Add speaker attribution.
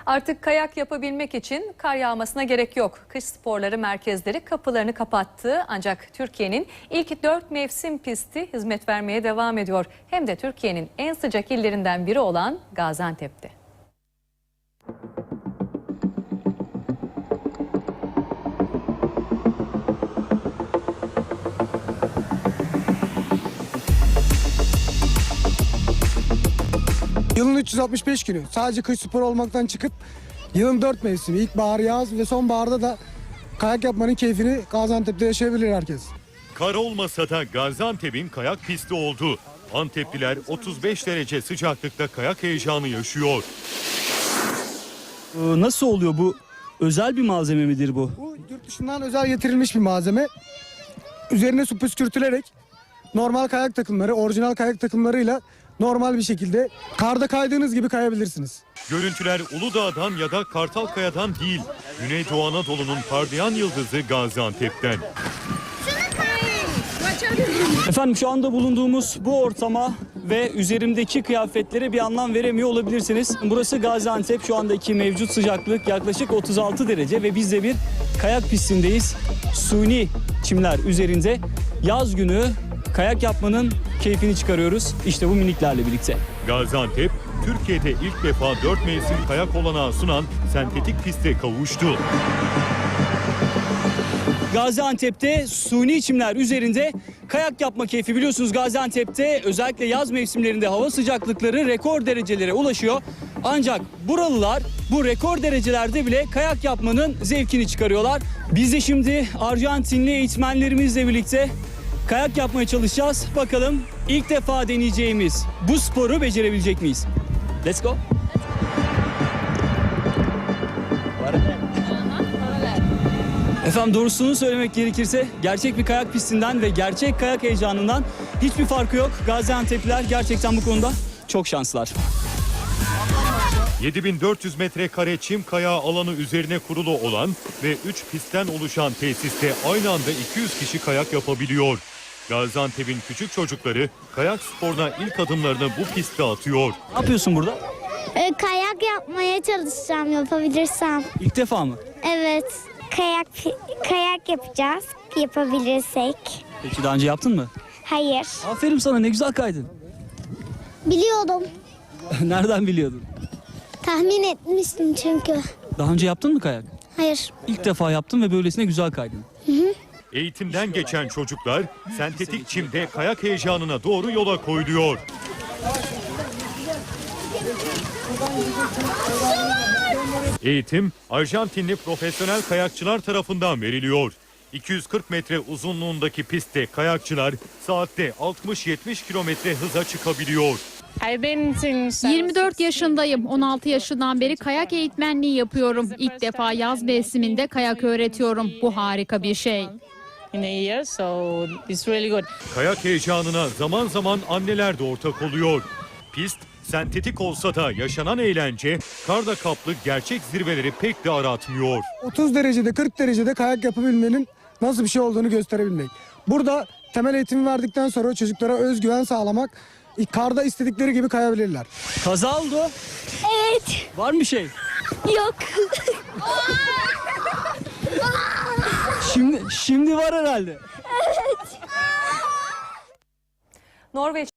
Speaker 1: Artık kayak yapabilmek için kar yağmasına gerek yok. Kış sporları merkezleri kapılarını kapattı. Ancak Türkiye'nin ilk 4 mevsim pisti hizmet vermeye devam ediyor. Hem de Türkiye'nin en sıcak illerinden biri olan Gaziantep'te.
Speaker 2: Yılın 365 günü sadece kış sporu olmaktan çıkıp yılın 4 mevsimi, ilkbahar, yaz ve sonbaharda da kayak yapmanın keyfini Gaziantep'te yaşayabilir herkes.
Speaker 3: Kar olmasa da Gaziantep'in kayak pisti oldu. Antepliler 35 derece sıcaklıkta kayak heyecanı yaşıyor.
Speaker 4: Nasıl oluyor bu? Özel bir malzeme midir bu?
Speaker 2: Bu yurt dışından özel getirilmiş bir malzeme. Üzerine su püskürtülerek normal kayak takımları, orijinal kayak takımlarıyla normal bir şekilde karda kaydığınız gibi kayabilirsiniz.
Speaker 3: Görüntüler Uludağ'dan ya da Kartalkaya'dan değil, Güneydoğu Anadolu'nun parlayan yıldızı Gaziantep'ten.
Speaker 4: Efendim şu anda bulunduğumuz bu ortama ve üzerimdeki kıyafetlere bir anlam veremiyor olabilirsiniz. Burası Gaziantep. Şu andaki mevcut sıcaklık yaklaşık 36 derece ve biz de bir kayak pistindeyiz. Suni çimler üzerinde yaz günü kayak yapmanın keyfini çıkarıyoruz. İşte bu miniklerle birlikte.
Speaker 3: Gaziantep, Türkiye'de ilk defa 4 mevsim kayak olanağı sunan sentetik piste kavuştu.
Speaker 4: Gaziantep'te suni çimler üzerinde kayak yapma keyfi. Biliyorsunuz Gaziantep'te özellikle yaz mevsimlerinde hava sıcaklıkları rekor derecelere ulaşıyor. Ancak buralılar bu rekor derecelerde bile kayak yapmanın zevkini çıkarıyorlar. Biz de şimdi Arjantinli eğitmenlerimizle birlikte kayak yapmaya çalışacağız. Bakalım ilk defa deneyeceğimiz bu sporu becerebilecek miyiz? Let's go. Efendim doğrusunu söylemek gerekirse gerçek bir kayak pistinden ve gerçek kayak heyecanından hiçbir farkı yok. Gaziantep'liler gerçekten bu konuda çok şanslılar.
Speaker 3: 7400 metrekare çim kayağı alanı üzerine kurulu olan ve 3 pistten oluşan tesiste aynı anda 200 kişi kayak yapabiliyor. Gaziantep'in küçük çocukları kayak sporuna ilk adımlarını bu pistte atıyor.
Speaker 4: Ne yapıyorsun burada?
Speaker 5: Kayak yapmaya çalışacağım yapabilirsem.
Speaker 4: İlk defa mı?
Speaker 5: Evet. Kayak yapacağız yapabilirsek.
Speaker 4: Peki daha önce yaptın mı?
Speaker 5: Hayır.
Speaker 4: Aferin sana, ne güzel kaydın.
Speaker 5: Biliyordum.
Speaker 4: Nereden biliyordun?
Speaker 5: Tahmin etmiştim çünkü.
Speaker 4: Daha önce yaptın mı kayak?
Speaker 5: Hayır.
Speaker 4: İlk defa yaptın ve böylesine güzel kaydın.
Speaker 3: Eğitimden geçen çocuklar sentetik çimde kayak heyecanına doğru yola koyuluyor. Eğitim Arjantinli profesyonel kayakçılar tarafından veriliyor. 240 metre uzunluğundaki pistte kayakçılar saatte 60-70 kilometre hıza çıkabiliyor.
Speaker 6: 24 yaşındayım. 16 yaşından beri kayak eğitmenliği yapıyorum. İlk defa yaz mevsiminde kayak öğretiyorum. Bu harika bir şey.
Speaker 3: Kayak heyecanına zaman zaman anneler de ortak oluyor. Pist sentetik olsa da yaşanan eğlence karda kaplı gerçek zirveleri pek de aratmıyor.
Speaker 2: 30 derecede 40 derecede kayak yapabilmenin nasıl bir şey olduğunu gösterebilmek. Burada temel eğitimi verdikten sonra çocuklara özgüven sağlamak, karda istedikleri gibi kayabilirler.
Speaker 4: Kaza oldu.
Speaker 5: Evet.
Speaker 4: Var mı bir şey?
Speaker 5: Yok.
Speaker 4: Şimdi var herhalde.
Speaker 1: Norveç